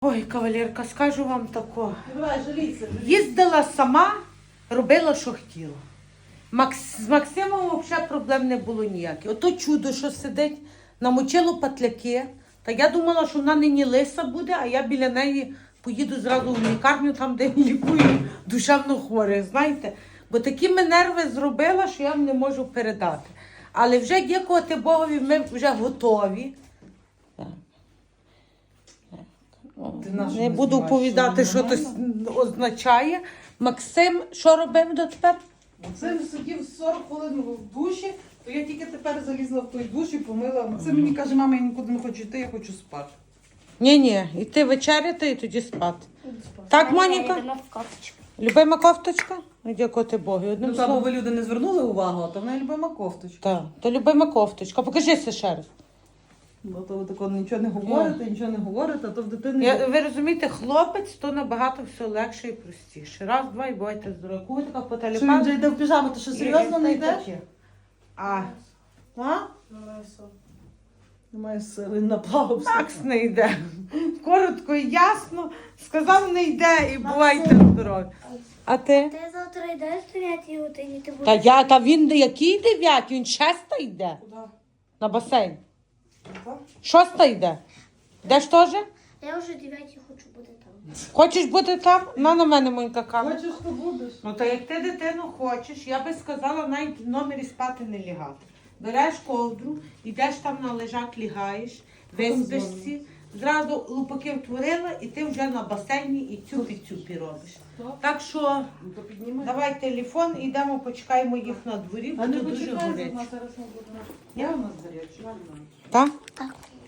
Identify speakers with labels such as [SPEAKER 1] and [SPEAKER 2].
[SPEAKER 1] Ой, кавалерка, скажу вам тако.
[SPEAKER 2] Давай, жалійся.
[SPEAKER 1] Їздила сама, робила, що хотіла. З Максимом взагалі проблем не було ніяких. Ото чудо, що сидить, намочило патляки. Та я думала, що вона нині лиса буде, а я біля неї поїду зразу в лікарню, там, де лікую душевно хворих, знаєте. Бо такі ми нерви зробила, що я вам не можу передати. Але вже дякувати Богові, ми вже готові. Не буду оповідати, що це означає. Максим, що робив дотепер?
[SPEAKER 2] Максим сидів 40 хвилин в душі, то я тільки тепер залізла в той душ і помила. Максим мені каже, мама, я нікуди не хочу йти, я хочу спати.
[SPEAKER 1] Ні, йти вечеряти і тоді спати. Так, Моніка? Любима кофточка? Дякувати Богу. Одним
[SPEAKER 2] Ну, та, бо
[SPEAKER 1] словом.
[SPEAKER 2] ви люди не звернули увагу, а то в неї любима кофточка.
[SPEAKER 1] Так, то любима кофточка. Покажися ще раз.
[SPEAKER 2] Бо то ви тако нічого не говорите, а то в дитини...
[SPEAKER 1] Ви розумієте, хлопець, то набагато все легше і простіше. Раз, два і бувайте здорові. Кого така по
[SPEAKER 2] Що він
[SPEAKER 1] телефону?
[SPEAKER 2] вже йде в піжаму, ти що серйозно не йдеш?
[SPEAKER 1] А,
[SPEAKER 2] Немає сили, наплавався.
[SPEAKER 1] Макс не йде. Коротко і ясно. Сказав, не йде і бувайте здорові. А ти?
[SPEAKER 3] Ти завтра йдеш в 9 годині, ти
[SPEAKER 1] Та
[SPEAKER 3] будеш.
[SPEAKER 1] та він який 9? Він 6 йде.
[SPEAKER 2] Куди?
[SPEAKER 1] На басейн.
[SPEAKER 2] Так?
[SPEAKER 1] 6 йде. Йдеш теж?
[SPEAKER 3] Я вже 9 хочу бути там.
[SPEAKER 1] Хочеш бути там? На мене, Монька, камера.
[SPEAKER 2] Хочеш, то будеш.
[SPEAKER 1] Ну, та як ти дитину хочеш, я би сказала, навіть в номері спати не лягати. Береш ковдру, йдеш там на лежак, лягаєш, виспишся, зразу лупаки втворила, і ти вже на басейні і цюпі-цюпі робиш. Так що
[SPEAKER 2] Ну, то піднімай.
[SPEAKER 1] давай телефон, йдемо, почекаємо їх на дворі, бо
[SPEAKER 2] А не
[SPEAKER 1] тут дуже
[SPEAKER 2] почекай,
[SPEAKER 1] горить.
[SPEAKER 2] вона зараз не буде. Я у нас гаряча.
[SPEAKER 1] Так?
[SPEAKER 3] Так.